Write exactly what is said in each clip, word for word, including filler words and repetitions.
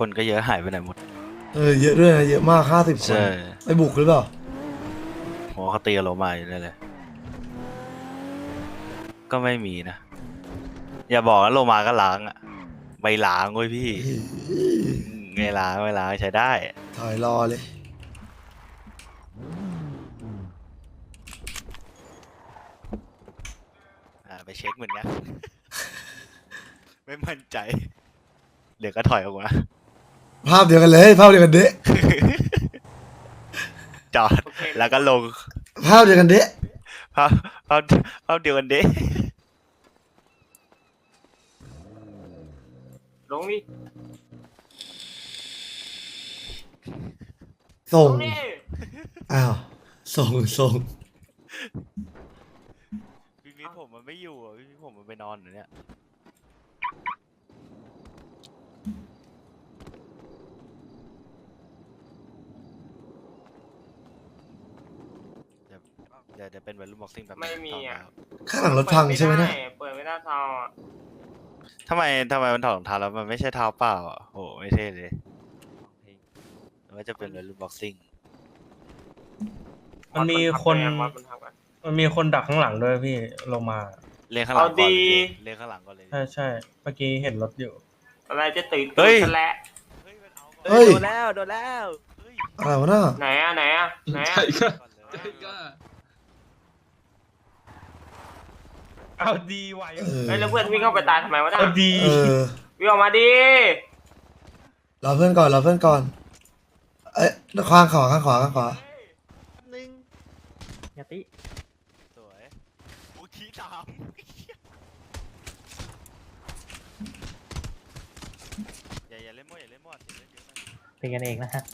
คนก็เยอะหายไปไหนหมดเออเยอะด้วยนะเยอะมากห้าสิบคนใช่ไปบุกหรือเปล่าโหเขาตีกับโลมาอยู่เลยเลยก็ไม่มีนะอย่าบอกว่าโลมาก็ล้างอะใบล้างเว้ยพี่ไงล้างไม่ล้างใช้ได้ถอยรอเลยอ่าไปเช็คเหมือนกัน ไม่มั่นใจ เดี๋ยวก็ถอยออกมาภาพเดียวกันเลย ภาพเดียวกันเดะจอดแล้วก็ลงภาพเดียวกันเดะภาพภาพภาพเดียวกันเด้ลงดิส่งลงดิอ้าวส่งส่งพี่มิตรผมมันไม่อยู่อ่ะพี่มิตรผมมันไปนอนอยู่เนี่ยเดี๋ยวเดี๋ยวเดี๋ยวเป็นวัยรุ่นบ็อกซิ่งแบบไม่มีอ่ะข้างหลังรถพังใช่ไหมเนี่ยเปิดไม่ได้ซาวอ่ะทำไมทำไมมันถอดรองเท้าแล้วมันไม่ใช่เท้าเปล่าอ่ะโหไม่เท่เลยว่าจะเป็นวัยรุ่นบ็อกซิ่งมันมีคนวัดบรรทัดก่อนมันมีคนดักข้างหลังด้วยพี่ลงมาเลี้ยงข้างหลังก่อนเอาดีเลี้ยงข้างหลังก่อนเลยใช่ใช่เมื่อกี้เห็นรถอยู่อะไรจะตื่นเฮ้ยกันแล้วเฮ้ยโดนแล้วโดนแล้วเฮ้ยอะไรวะน่ะไหนอ่ะไหนอ่ะไหนอ่ะเอาดีไหวเออเฮ้ยแล้วเพื่อนวิ่งเข้าไปตายทำไมวะน่ะเอาดีเออวิ่งออกมาดิรอเพื่อนก่อนรอเพื่อนก่อน เอ้ยข้างขวาข้างขวาข้างขวาหนึ่งยาติสวยอุทิตามอย่าอย่าเล่นมั่วอย่าเล่นมั่วเสียเล่นเยอะนะเป็นกันเองนะฮะ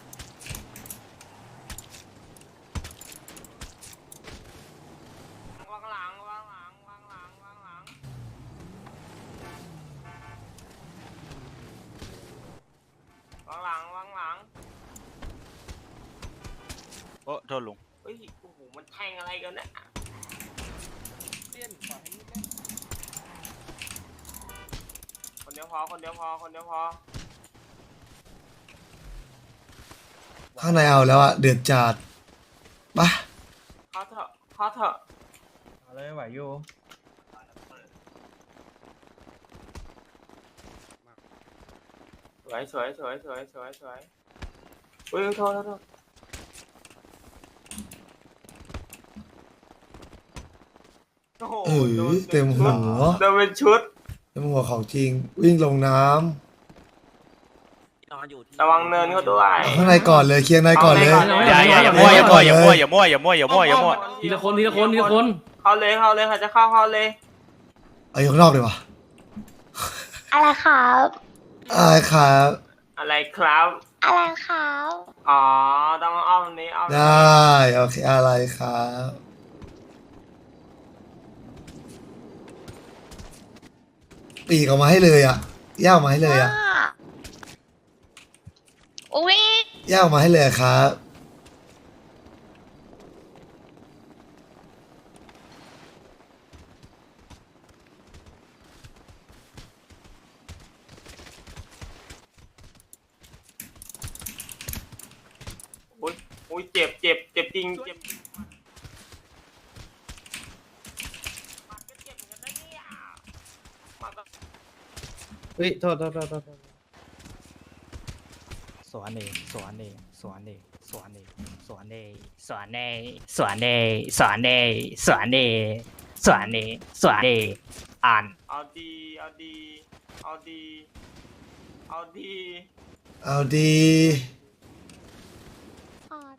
วางหลังวางหลังวางหลังวางหลังวางหลังวางหลังโอ้โทษลุงเฮ้ยโอ้โหมันแทงอะไรกันเนี่ยคนเดียวพอคนเดียวพอคนเดียวพอข้างในเอาแล้วอะเดือดจัดปะเข้าเถอะเข้าเถอะเอาเลยไหวอยู่สวยสวยสวยสวยสวยสวยอุ้ยโทษโทษโทษโอ้โหเอโดอน เต็มหัวโดนเป็นชุดเต็มหัวของจริง วิ่งลงน้ระวังเนินเขาด้วยำข้างในก่อนเลยเคลียร์ในก่อนเลยอย่าอย่าอย่ามั่วอย่ามั่วอย่ามั่วอย่ามั่วอย่ามั่วอย่ามั่วอย่ามั่วทีละคนทีละคนทีละคนเข้าเลยเข้าเลยเขาจะเข้าเข้าเลยเอาอยู่ข้างนอกดีกว่าอะไรครับอะไรครับอะไรครับอะไรครับอ๋อต้องอ้อมนี้อ้อมไดนี้้โอเคอะไรครับปีกออกมาให้เลยอ่ะย่าออกมาให้เลยอ่ะว่าอุ้ยย่าออกมาให้เลยครับอุ้ยอุ้ยเจ็บเจ็บเจ็บจริงเจ็บจริงมันก็เจ็บเหมือนกันนะเนี่ยมันก็เฮ้ยโทษโทษโทษโทษโทษสวนเองสวนเองสวนเองสวนเองสวนเองสวนเองสวนเองสวนเองสวนเองสวนเองสวนเองอ่านเอาดีเอาดีเอาดีเอาดีเอาดีอ่อน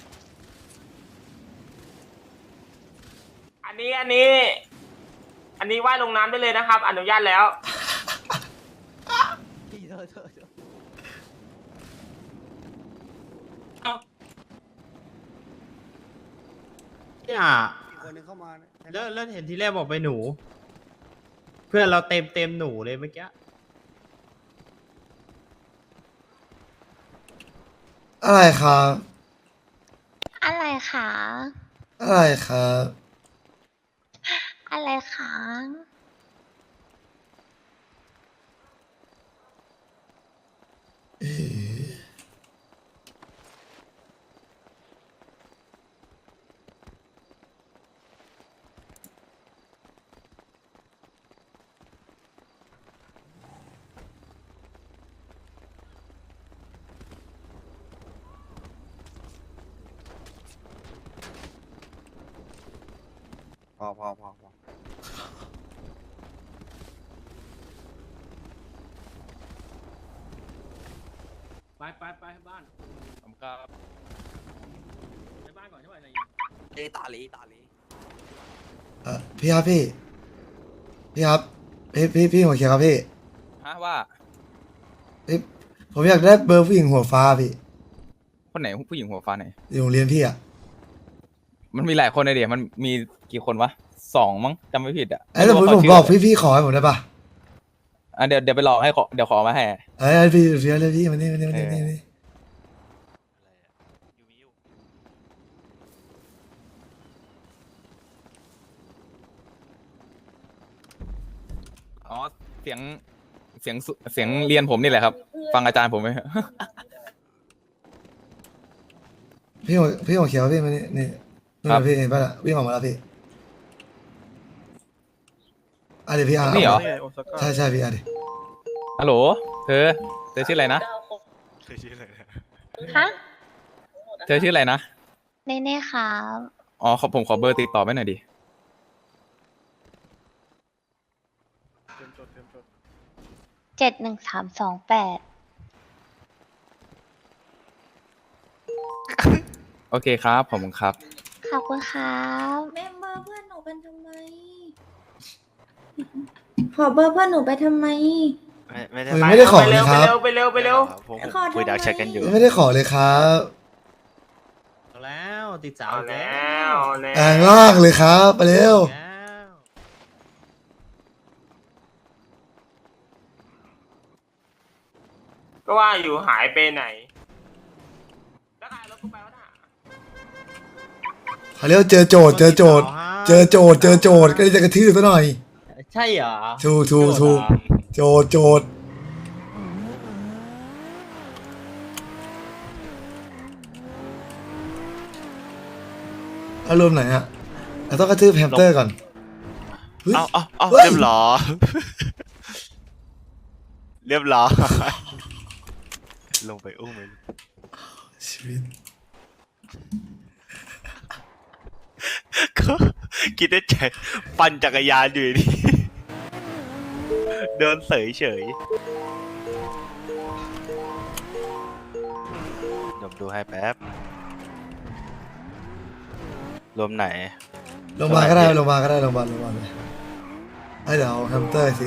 อันนี้อันนี้ อันนี้ว่ายลงน้ำได้เลยนะครับ อนุญาตแล้วเนี่ยแล้วแล้วเห็นทีแรกบอกไปหนู เพื่อนเราเต็มเต็มหนูเลยเมื่อกี้อะไรครับอะไรคะอะไรครับอะไรคะอ อพอพอพอพอไปไปไปบ้านผมก็ไปบ้านก่อนใช่ไหมเอตาลีตาลีเออพี่ครับพี่พี่ครับพี่พี่พี่หัวเขียวครับพี่ฮะว่าพี่ผมอยากได้เบอร์ผู้หญิงหัวฟ้าพี่คนไหนผู้หญิงหัวฟ้าไหนอยู่โรงเรียนพี่อ่ะมันมีหลายคนเลยเดี๋ยวมันมีกี่คนวะสองมั้งจำไม่ผิดอ่ะไอ้แต่ผมไรู้ผมว่าบอกเขาชื่พี่พี่ขอให้ผมได้ปะอ่ะเดี๋ยวเดี๋ยวไปลองให้ขอเดี๋ยวขอมาให้เอ้ยพี่เรียนเลยพี่มานี่มานี่มานี่มานี่อ๋อเสียงเสียงสุเสียงเรียนผมนี่แหละครับ ฟังอาจารย์ผมไหมพี่หัวพี่หัวเขียวพี่มานี่นี่นี่ครับพี่เห็นปะล่ะวิ่งออกมาแล้วพี่อ่ะเดี๋ยวพี่อ่ะนี่เหรอใช่ใช่พี่อ่ะดิฮัลโหลเธอเธอชื่ออะไรนะเคยชื่ออะไรนะฮะเธอชื่ออะไรนะเน่เน่ครับอ๋อขอผมขอเบอร์ติดต่อไว้หน่อยดิเจ็ดหนึ่งสามสองแปดโอเคครับผมครับขอบคุณครับเมมเบอร์เพื่อนหนูเป็นทำไม ขอเบอร์เพื่อนหนูไปทำไมไม่ไม่ได้เฮ้ยไม่ได้ขอเลยครับไปเร็วไปเร็วไปเร็วผมขอทำไมคุยดักแชทกันอยู่ไม่ได้ขอเลยครับเอาแล้วติดสาวเอาอีกแล้วเอาแล้วแองล่างเลยครับไปเร็วแล้วก็ว่าอยู่หายไปไหนแล้วใครรถกูไปวะน่ะเขาเรียกว่าเจอโจทย์เจอโจทย์เจอโจทย์เจอโจทย์ก็เลยจะกระทืบซะหน่อยใช่เหรอถูกถูกถูกโจทย์โจทย์อารมณ์ไหนอะเราต้องกระทืบแฮมสเตอร์ก่อนเฮ้ยเอาเอาเอาเฮ้ยเรียบร้อยเรียบร้อยลงไปอุ้มเลยชีวิตก็คิดได้ใจปั่นจักรยานอยู่ดีเดินเสยเฉยเดี๋ยวดูให้แป๊บรวมไหนลงมาก็ได้ลงมาก็ได้ลงมาลงมาเลยให้เดี๋ยวเอาแฮมสเตอร์ที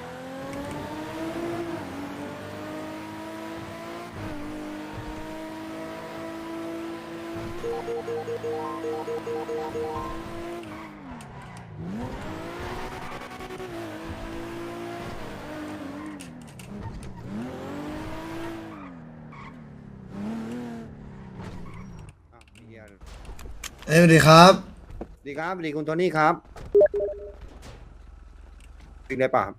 อ้าวเฮียเอ้ยสวัสดีครับสวัสดีครับสวัสดีคุณโทนี่ครับปิดได้ป่ะครับ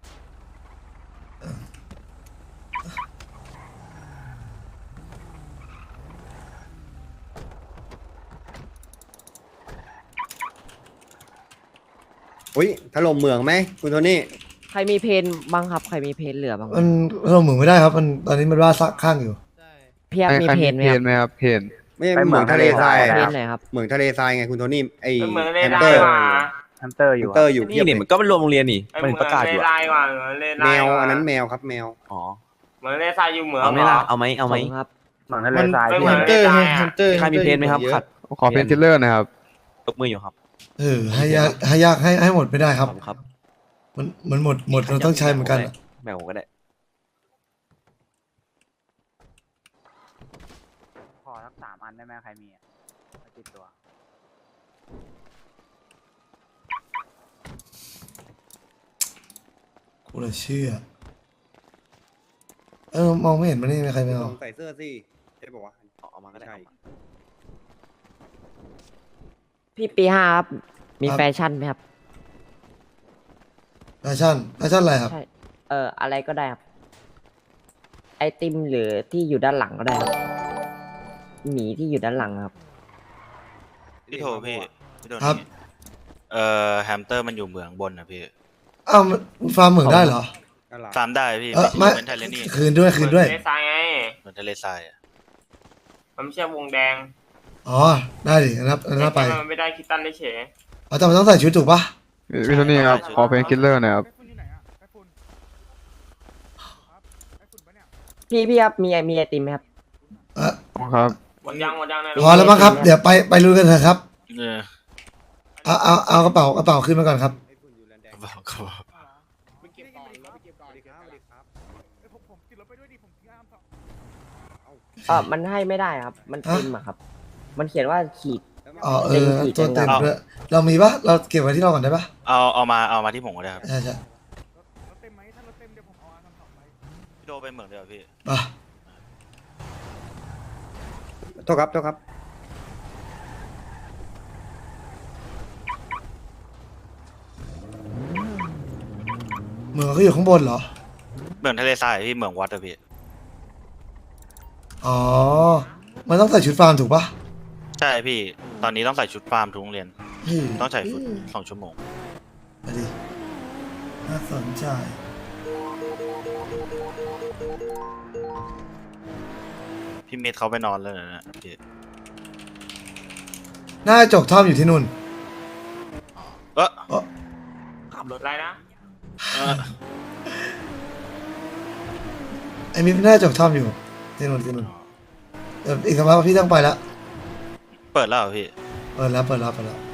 อุ้ยถล่มเหมืองไหมคุณโทนี่ใครมีเพนบ้างครับ ใครมีเพนเหลือบ้างมันเราเหมือนไม่ได้ครับมันตอนนี้มันว่าซักข้างอยู่พี่ยักษ์มีเพนไหมครับไม่ใช่เหมืองทะเลทรายเพอะนไหนครับเหมืองทะเลทรายไงคุณโทนี่ไอเหมือนเลแฮมไลสเตอร์ว่ะแฮมสเตอร์อยู่แฮมสเตอร์อยู่นี่นี่มันก็เป็นรวมโรงเรียนนี่ไอ้เหมือนเลไลว่ะเหมือนเลไลแมวว่ะอันนั้นแมวครับแมวอ๋อเหมือนเลไลอยู่เหมืองเอาไหมเหรล่ะอเอาไหมเอาไหมผมครับเหมืองทะเลทรายไม่เหมือนเลไลอะใครมีเพนไหมครับขัดขอเป็นทิลเลอร์นะครับยกมืออยู่ครับเออให้ยากให้ยากให้ให้หมดไม่ได้ครับผมครับมันมันหมดหมดเราต้องใช้เหมือนกันอะแมวผมก็ได้ขอสักสามอันได้ไหมใครมีติดตัวกูเลยเชื่อเออมองไม่เห็นมันนี่มีใครไม่เอาลองใส่เสื้อสิใช่ป่าวะเอามาก็ได้ใช่พี่ปีห้าครับ มีแฟชั่นไหมครับแฟชั่นแฟชั่นอะไรครับใช่ เอออะไรก็ได้ครับ ไอติมหรือที่อยู่ด้านหลังก็ได้ครับหมีที่อยู่ด้านหลังครับพี่โทพี่พี่โทครับนี่เอ่อแฮมสเตอร์มันอยู่เหมืองบนนะพี่อ้าวมันฟาร์มเหมืองได้เหรออะไรฟาร์มได้พี่เออไม่เป็นทะเลนี่คืนด้วยคืนด้วยเลไลไงเหมือนทะเลทรายอะมันไม่ใช่วงแดงอ๋อได้ดิงั้นนับงั้นนับไปมันไม่ได้คิดตันได้เฉยโอ๋อแต่มันต้องใส่ชุดถูกปะพี่โทนี่ครับขอเพลงคิลเลอร์หน่อยครับพี่พี่ครับมีไอมีไอติมไหมครับเออครับหมดยังหมดยังในพอแล้วมั้งครับ เดี๋ยวไปไปลุยกันเถอะครับเออเอาเอาเอากระเป๋ากระเป๋าขึ้นมาก่อนครับบอกเขาบอกเออมันให้ไม่ได้ครับ มันเต็มอะครับ มันเขียนว่าขีดอ๋อเออเต็มขีดตัวเต็มจังครับด้วยเรามีปะเราเก็บไว้ที่เราก่อนได้ปะเอาเอามาเอามาที่ผมก็ได้ครับใช่ใช่พี่โดไปเหมืองเดียวาพี่ไปโทษครับโทษครับเหมืองก็อยู่ข้างบนเหรอเหมืองทะเลทรายพี่เหมืองวัดอะพี่อ๋อ มันต้องใส่ชุดฟาร์มถูกปะใช่พี่ ตอนนี้ต้องใส่ชุดฟาร์มทุกโรงเรียนเฮ้ยต้องใส่ชุดสองชั่วโมงไปดิน่าสนใจพี่เมธเขาไปนอนแล้วนะพี่หน้าจกท่อมอยู่ที่นู่นเออเอ้ออะไรนะเออไอ้มิหน้าจกท่อมอยู่ที่นู่นที่นู่นเดี๋ยวอีกสักพักพี่ต้องไปแล้วเปิดแล้วเหรอพี่เปิดแล้วเปิดแล้วเปิดแล้ว